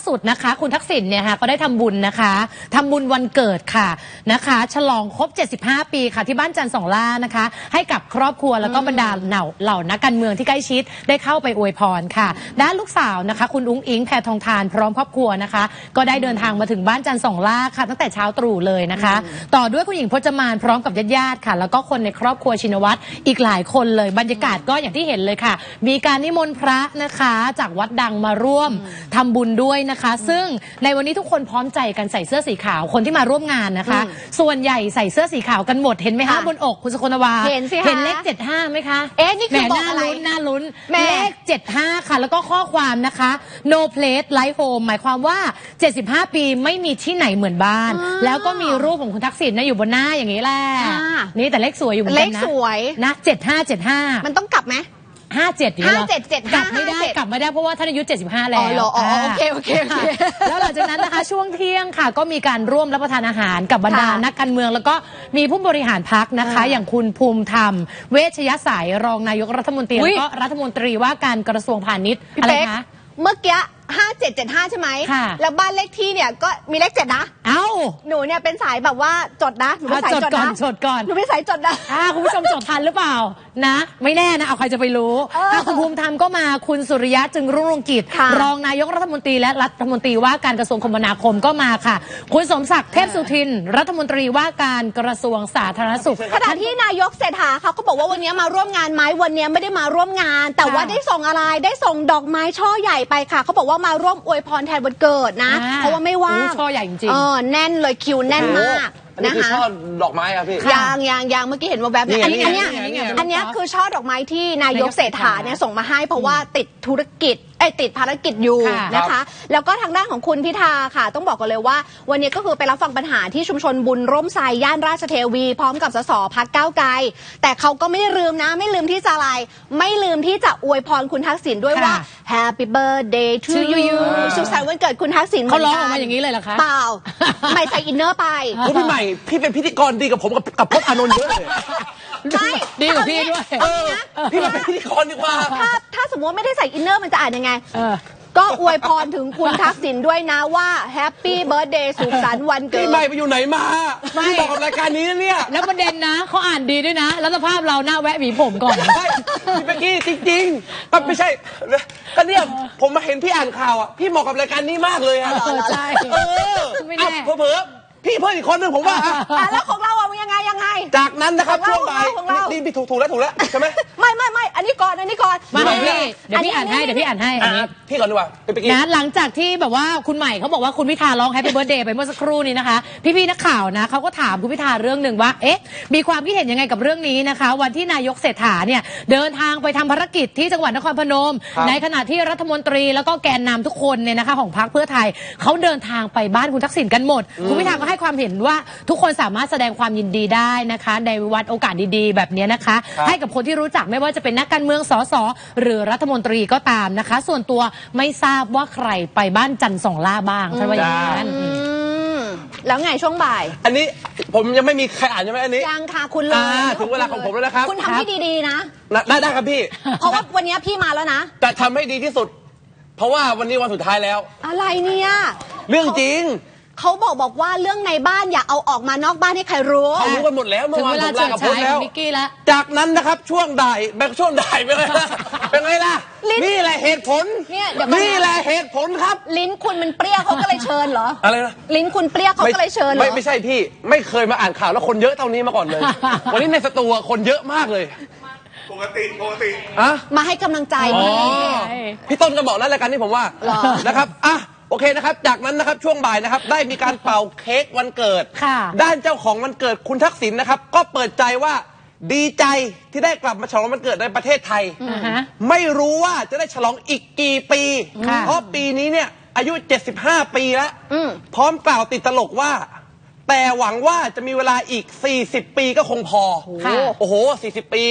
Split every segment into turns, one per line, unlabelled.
สุดนะคะคุณทักษิณเนี่ยค่ะก็ได้ทำบุญนะคะทำบุญวันเกิดค่ะนะคะฉลองครบ75ปีค่ะที่บ้านจันทร์สองล่านะคะให้กับครอบครัวแล้วก็บรรดาเหล่านักการเมืองที่ใกล้ชิดได้เข้าไปอวยพรค่ะด้านลูกสาวนะคะคุณอุ้งอิงแพทองธารพร้อมครอบครัวนะคะก็ได้เดินทางมาถึงบ้านจันทร์สองล่าค่ะตั้งแต่เช้าตรู่เลยนะคะต่อด้วยคุณหญิงพจมานพร้อมกับญาติๆค่ะแล้วก็คนในครอบครัวชินวัตรอีกหลายคนเลยบรรยากาศก็อย่างที่เห็นเลยค่ะมีการนิมนต์พระนะคะจากวัดดังมาร่วมทำบุญด้วยนะคะซึ่งในวันนี้ทุกคนพร้อมใจกันใส่เสื้อสีขาวคนที่มาร่วมงานนะคะส่วนใหญ่ใส่เสื้อสีขาวกันหมดเห็นไหมคะบนอกคุณสกลวา
เห็นสิคะ
เห็นเลข75ไหมคะ
นี่คือบอกอะไร
น่าลุ้นเลข75ค่ะแล้วก็ข้อความนะคะ no place like home หมายความว่า75ปีไม่มีที่ไหนเหมือนบ้านแล้วก็มีรูปของคุณทักษิณนะอยู่บนหน้าอย่างนี้แหละนี่แต่เลขสวยอยู่เหมือนกันนะ
เลขสวย
นะ75
มันต้องกลับไหม
57
57
กลับไม่ได้เพราะว่าท่านอายุ75แล้ว
โอเค
แล้วหลังจากนั้นนะคะช่วงเที่ยงค่ะก็มีการร่วมรับประทานอาหารกับบรรดานักการเมืองแล้วก็มีผู้บริหารพรรคนะคะอย่างคุณภูมิธรรมเวชยสายรองนายกรัฐมนตรีแล้วก็รัฐมนตรีว่าการกระทรวงพาณิชย์อะไรคะ
เมื่อกี้5775ใช่ไหมแล้วบ้านเลขที่เนี่ยก็มีเลข7นะหนูเนี่ยเป็นสายแบบว่าจดนะหนูเป็นสายจดก่อนหนูเป็นสายจดนะ
คุณผู้ชมจดทันหรือเปล่านะไม่แน่นะเอาใครจะไปรู้คุณภูมิธรรมก็มาคุณสุริยะจึงรุ่งเรืองกิจรองนายกรัฐมนตรีและรัฐมนตรีว่าการกระทรวงคมนาคมก็มาค่ะคุณสมศักดิ์เทพสุทินรัฐมนตรีว่าการกระทรวงสาธารณสุข
ขณะที่นายกเศรษฐาเขาก็บอกว่าวันนี้มาร่วมงานไหมวันนี้ไม่ได้มาร่วมงานแต่ว่าได้ส่งอะไรได้ส่งดอกไม้ช่อใหญ่ไปค่ะเขาบอกว่ามาร่วมอวยพรแทนวันเกิดนะเพราะว่าไม่ว่าง
ช่อใหญ่จริง
แน่นเลยคิวแน่นมาก
นี่คือช่อดอกไม้ครับพี่
ยังเมื่อกี้เห็นว่าแบบนี้อันนี้คือช่อดอกไม้ที่นายกเศรษฐาเนี่ยส่งมาให้เพราะว่าติดธุรกิจติดภารกิจอยู่นะคะแล้วก็ทางด้านของคุณพิธาค่ะต้องบอกกันเลยว่าวันนี้ก็คือไปรับฟังปัญหาที่ชุมชนบุญร่มไทรย่านราชเทวีพร้อมกับสสพรรคก้าวไกลแต่เขาก็ไม่ลืมนะไม่ลืมที่จะอะไรไม่ลืมที่จะอวยพรคุณทักษิณด้วยว่า Happy Birthday to you สุขสันต์วันเกิดคุณทักษิณ
เขาร้องออกมาอย่างนี้เลยเหรอคะ
เปล่าไม่ใส่อินเนอร์ไป
พี่ใหม่พี่เป็นพิธีกรดีกับผมกับพจน์อานนท์เยอะเลย
ไม่
ดีกว่าพี่ด้วย
พี่มาเป็นพิธีกรดีกว่า
ถ้าสมมติไม่ได้ใส่อินเนอร์มันจะอ่านยังไงก็อวยพรถึงคุณทักษิณด้วยนะว่าแฮปปี้เบิร์ธเดย์สุขสันต์วันเกิด
พี่ใหม่ไปอยู่ไหนมาพี่บอกกับรายการนี้นะเนี่ย
แล้วประเด็นนะเขาอ่านดีด้วยนะแล้วสภาพเราหน้าแวะหวีผมก่อน
พี่เมื่อกี้จริงๆก็ไม่ใช่ก็เนี่ยผมมาเห็นพี่อ่านข่าวอ่ะพี่เหมาะกับรายการนี้มากเลยอ่ะ
ใช่
ไม่แน่เผลอพี่เพิ่มอีกคนหนึ่งผมว่า
แล้วของเราอะยังไง
จากนั้นนะครับช่วงบ่ายนี่พี่ถูกแล้วใช่ไหม
ไม่อันนี้ก่อน
มาพี่เดี๋ยวพี่อ่านให้อันนี้
พี่ก่อนดีกว่า
นะหลังจากที่แบบว่าคุณใหม่เขาบอกว่าคุณพิธาร้อง Happy Birthday ไปเมื่อสักครู่นี้นะคะพี่นักข่าวนะเขาก็ถามคุณพิธาเรื่องหนึ่งว่ามีความคิดเห็นยังไงกับเรื่องนี้นะคะวันที่นายกเศรษฐาเนี่ยเดินทางไปทำภารกิจที่จังหวัดนครพนมในขณะที่รัฐมนตรีแล้วก็แกนนำทุกคนเนี่ยนะคะของพรรคเพื่อไทยเขาเดินทางไปบ้านคุณทักษิณกันหมดคุณพิธาก็ให้ความเห็นว่าทุกคนสามารถแสดงความยินดีได้นะคะในวันโอกาสดีๆแบบนี้นะคะให้กับคนที่รู้จักไม่ว่าจะเป็นนักการเมืองสสหรือรัฐมนตรีก็ตามนะคะส่วนตัวไม่ทราบว่าใครไปบ้านจันทร์สองล่าบ้างท่านว่าอย่างนั้น
แล้วไงช่วงบ่าย
อันนี้ผมยังไม่มีใครอ่านใช่ไหมอันนี้
ยังค่ะคุณเลย
ถึงเวลาของผมแล้วนะครับ
คุณทำให้ดีๆนะ
ได้ครับพี่
เพราะว่าวันนี้พี่มาแล้วนะ
จะทำให้ดีที่สุดเพราะว่าวันนี้วันสุดท้ายแล้ว
อะไรเนี่ย
เรื่องจริง
เขาบอกว่าเรื่องในบ้านอย่าเอาออกมานอกบ้านให้ใครรู้
เขารู้กันหมดแล้วเมื่อวานผมลากับพจน์แล้วจากนั้นนะครับช่วงบ่ายเป็นไงล่ะนี่แหละเหตุผลนี่แหละเหตุผลครับ
ลิ้นคุณมันเปรี้ยวเขาก็เลยเชิญเหรอ
อะไรนะ
ลิ้นคุณเปรี้ยวเขาก็เลยเชิญเหรอ
ไม่ใช่พี่ไม่เคยมาอ่านข่าวแล้วคนเยอะเท่านี้มาก่อนเลยวันนี้ในสตูคนเยอะมากเลย
ปกติ
มาให้กำลังใจ
พี่ต้นก็บอกแล้วรายการนี้ผมว่านะครับโอเคนะครับจากนั้นนะครับช่วงบ่ายนะครับได้มีการเป่าเค้กวันเกิดด้านเจ้าของวันเกิดคุณทักษิณนะครับก็เปิดใจว่าดีใจที่ได้กลับมาฉลองวันเกิดในประเทศไทยไม่รู้ว่าจะได้ฉลองอีกกี่ปีเพราะปีนี้เนี่ยอายุ75ปีแล้วพร้อมกล่าวติดตลกว่าแต่หวังว่าจะมีเวลาอีก40ปีก็คงพอโอ้โห40ปี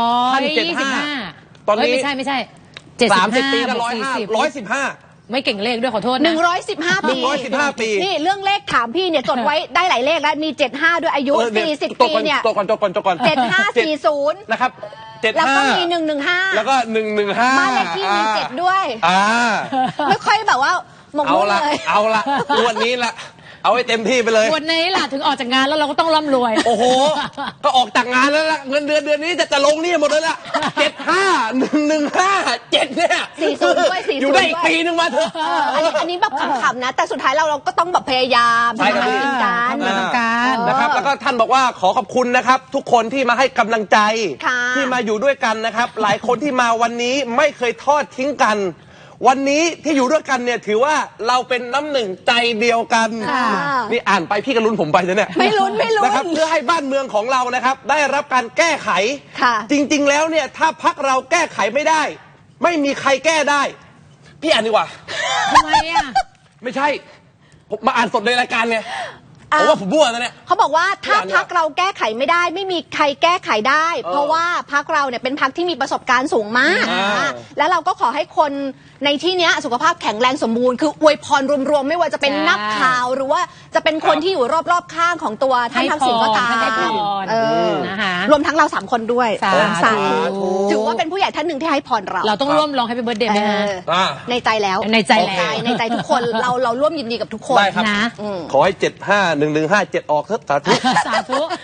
125ตอนนี้ไม่ใช่
30ปีก็115
ไม่เก่งเลขด้วยขอโทษ
นะ115 ปีนี่เรื่องเลขถามพี่เนี่ยจดไว้ได้หลายเลขแล้วมี75ด้วยอายุ40ปีเนี่ย
จดก่อน
7540
นะครับ
แล้วก็มี115
แล้วก็115
บ้านเลขที่มี7ด้วยไม่ค่อยแบบว่าหมก
เอา
มุ่น
ละ
เลย
เอาละงวดนี้ละเอาให้เต็มที่ไปเลย
วันนี้ล่ะถึงออกจากงานแล้วเราก็ต้องร่ำรวย
โอ้โห ก็ออกจากงานแล้วล่ะเงินเดือนนี้จะลงหนี่หมดเลยล่ะ75 115 7เนี่ย
40ด้วย40
อยู่ได้อีกปีนึงมาเถอะ
อันนี้แบบขำๆนะ แต่สุดท้ายเราก็ต้องแบบพยายาม
ใช่ครับ
ทำสิ่งกัน
ทำงานทำการ
นะครับแล้วก็ท่านบอกว่าขอขอบคุณนะครับ ทุกคนที่มาให้กำลังใจ
ค่ะ
ที่มาอยู่ด้วยกันนะครับ หลายคนที่มาวันนี้ไม่เคยทอดทิ้งกัน วันนี้ที่อยู่ด้วยกันเนี่ยถือว่าเราเป็นน้ำหนึ่งใจเดียวกัน
ค่ะ
นี่อ่านไปพี่ก็ลุ้นผมไปนะเนี่ย
ไม่ลุ้น
นะครับเพื่อให้บ้านเมืองของเรานะครับ ได้รับการแก้ไข
ค่ะ
จริง ๆ แล้วเนี่ยถ้าพักเราแก้ไขไม่ได้ ไม่มีใครแก้ได้ พี่อ่านดีกว่า
ทำไมอ่ะ
ไม่ใช่ผมมาอ่านสดในรายการไงผมว่าผมบ้วนนะเนี่ย
เขาบอกว่าถ้า
อย่างเงี้ย
พักเราแก้ไขไม่ได้ ไม่มีใครแก้ไขได้ เพราะว่าพักเราเนี่ยเป็นพักที่มีประสบการณ์สูงมาก
อ่า
แล้วเราก็ขอให้คนในที่เนี้ยสุขภาพแข็งแรงสมบูรณ์คืออวยพรรวมๆไม่ว่าจะเป็น
ใช่
นักข่าวหรือว่าจะเป็นคนที่อยู่รอบๆข้างของตัวท่านทักษิณก็ตาม
ให้พร
เออ
นะคะ
รวมทั้งเรา3 คนด้วย
สาธุ
ถือว่าเป็นผู้ใหญ่ท่านหนึ่งที่ให้พรเรา
เราต้องร่วมร้องให้เป็นเบิร์ดเดย์ไหมฮะ
อ่า
ในใจแล้ว
ในใจแล้ว
ในใจทุกคนเราร่วมยินดีกับทุกคน
ได้ครับ
นะ
ขอให้ 75 1157 ออกเถอะสาธุ
สาธุ